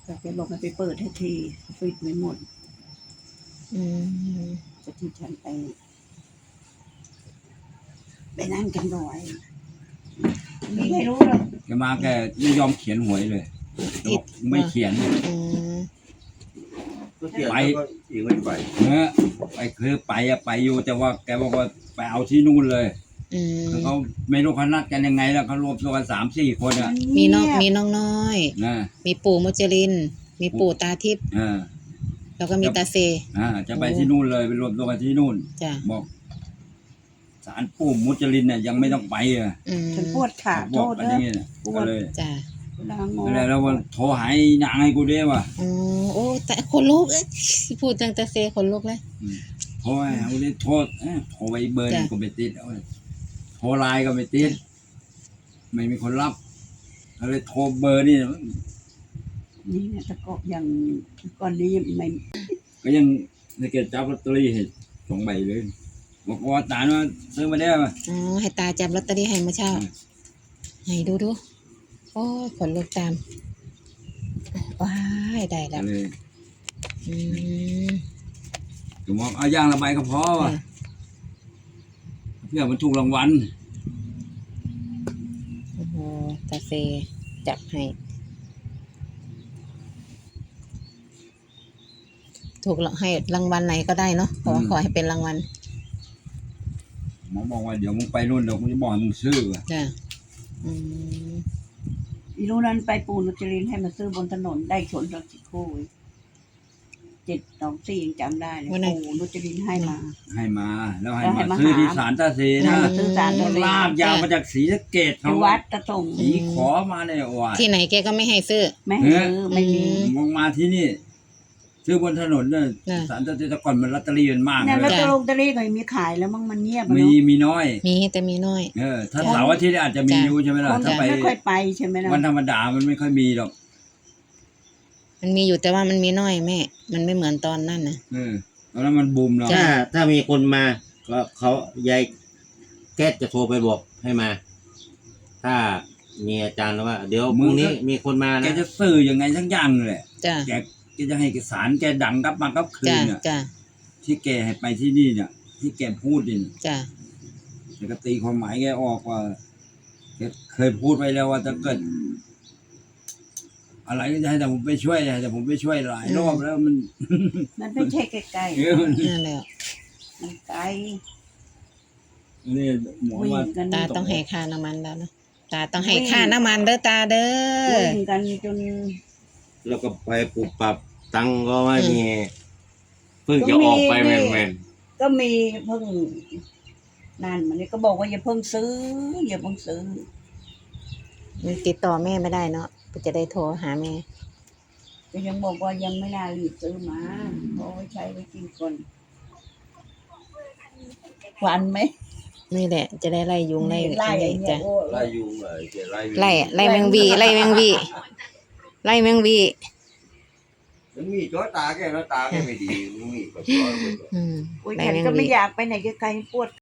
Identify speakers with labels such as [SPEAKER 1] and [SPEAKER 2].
[SPEAKER 1] แต่แกบอกให้ไปเปิดให้ทีปิดไม่หมดจะที่ฉันไปนั่งกันหน่อยไม่รู้หรอก
[SPEAKER 2] แกมาแกไม่ยอมเขียนหวยเลยบอกไม่เขียน
[SPEAKER 3] ไปอีกไม่ไป
[SPEAKER 2] ไปคือไปอยู่แต่ว่าแกบอกว่าไปเอาที่นู่นเลยเขาไม่รู้เขานัดกันยังไงแล้วเขารวมตัวกัน3-4 คนอ่ะ
[SPEAKER 4] มีน้องน้อยมีปู่มุจลินมีปู่ตาทิพย์แล้วก็มีตาเซ
[SPEAKER 2] จะไปที่นู่นเลยไปรวมตัวกันที่นู่นบอกศาลปู่มุจลินเนี่ยยังไม่ต้องไปอ่ะ
[SPEAKER 1] ฉันปวดขาโทษ
[SPEAKER 2] เลยปวดเลยแล้ววันโทรหายนางให้กูด้วยว่ะ
[SPEAKER 4] โอ้แต่คนลุกพูดตั้งแต่เซคนลุกเลย
[SPEAKER 2] โทรให้กูได้โทรไปเบอร์ก็ไม่ติดโทรไลน์ก็ไม่ติดไม่มีคนรับเลยโทรเบอร์นี่
[SPEAKER 1] เนี่ยตะกอบอย่างก่อนนี้ไม่
[SPEAKER 2] ก็ยังในเกจจับลอตเตอรี่ให้2 ใบเลยบอกว่าตาว่าซื้อมาได้ป่ะ
[SPEAKER 4] ให้ตาจับลอตเตอรี่ให้เมื่อเช้าให้ดูโอ้ขนลุกตามว้ายได้แล้ว
[SPEAKER 2] ก็บอกเอาย่างละใบก็พอว่ะเพื่อมันถูกรางวัล
[SPEAKER 4] โอ้โหตาเซจับให้ถูกให้รางวัลไหนก็ได้เนาะขอให้เป็นรางวัล
[SPEAKER 2] หมอบอกว่าเดี๋ยวมึงไปนู่นเดี๋ยวกูจะบอกให้มึงซื้อว่ะ
[SPEAKER 1] อีรู้นั้นไปปูนุจรินให้มาซื้อบนถนนได้ชนรถสิโค้724ยังจำได้เลยปูนุจรินให้มา
[SPEAKER 2] แล้วให้มาซื้อที่ศาลตาเซนะ
[SPEAKER 1] ซื้อศาล
[SPEAKER 2] ลากยาวมาจากศรีสะเกษ
[SPEAKER 1] เขาวัดตะส่ง
[SPEAKER 2] สีขอมาเนี่ยว่า
[SPEAKER 4] ที่ไหนแกก็ไม่ให้ซื้อ
[SPEAKER 1] ไม่ซื้อไม่มี
[SPEAKER 2] มองมาที่นี่ซื้อบนถนนเนี่ยศาลตาเซแต่ก่อนมันลอตเตอรี่มันมาก
[SPEAKER 1] เนี่ยลอตเตอรี่ก็มีขายแล้วมั่งมันเงียบ
[SPEAKER 2] มีน้อย
[SPEAKER 4] แต่มีน้อย
[SPEAKER 2] ถ้าเสาร์อาทิตย์อาจจะมีอยู่ใช่ไหมล่ะถ้าไป
[SPEAKER 1] ไม่ค่อยไปใช่ไหมล่ะ
[SPEAKER 2] วันธรรมดามันไม่ค่อยมีหรอก
[SPEAKER 4] มันมีอยู่แต่ว่ามันมีน้อยแม่มันไม่เหมือนตอนนั้นนะ
[SPEAKER 2] ตอนนั้นมันบูมแล้ว
[SPEAKER 3] ถ้ามีคนมาก็เขายายแก๊สจะโทรไปบอกให้มาถ้ามีอาจารย์แล้วว่าเดี๋ยวพรุ่งนี้มีคนมานะ
[SPEAKER 2] แกจะสื่อยังไงทั้งอย่างเลยแกจะให้สารแกดังกับมากับคืนเนี่ยที่แกให้ไปที่นี่เนี่ยที่แกพูดนี่แกก็ตีความหมายแกออกว่าแกเคยพูดไว้แล้วว่าจะเกิดอะไรก็จะให้แต่ผมไปช่วยแต่ผมไปช่วยหลายรอบแล้วมัน
[SPEAKER 1] ไม่ใช่ใกล้ๆ
[SPEAKER 4] นั่นแหละ
[SPEAKER 1] มันไกล
[SPEAKER 2] นี่หมอว่า
[SPEAKER 4] ตาต้องให้ค่าน้ำมันแล้วนะตาต้องให้ค่าน้ำมันเด้อตาเด้อ
[SPEAKER 1] วิ่งกันจน
[SPEAKER 3] แล้วก็ไปปรับตังก็ไม่มีเพิ่งจะออกไปแม่น
[SPEAKER 1] ก็มีเพิ่งนั่นมันนี่ก็บอกว่าอย่าเพิ่งซื้อ
[SPEAKER 4] มันติดต่อแม่ไม่ได้เนาะก็จะได้โทรหาแม่
[SPEAKER 1] ก็ยังบอกว่ายังไม่น่ารีบซื้อมาเพราะไว้ใช้ไว้กินก่อนหวานไหม
[SPEAKER 4] นี่แหละจะได้ไล่ยุงไล่
[SPEAKER 3] จ้ะไล่ยุง
[SPEAKER 4] ไล่แมงวีมันมี
[SPEAKER 3] จ้อตาแกแล้วตาแกไม่ดีมันมีก็จ้อ
[SPEAKER 1] ฉันก็ไม่อยากไปไหนไกลๆปวด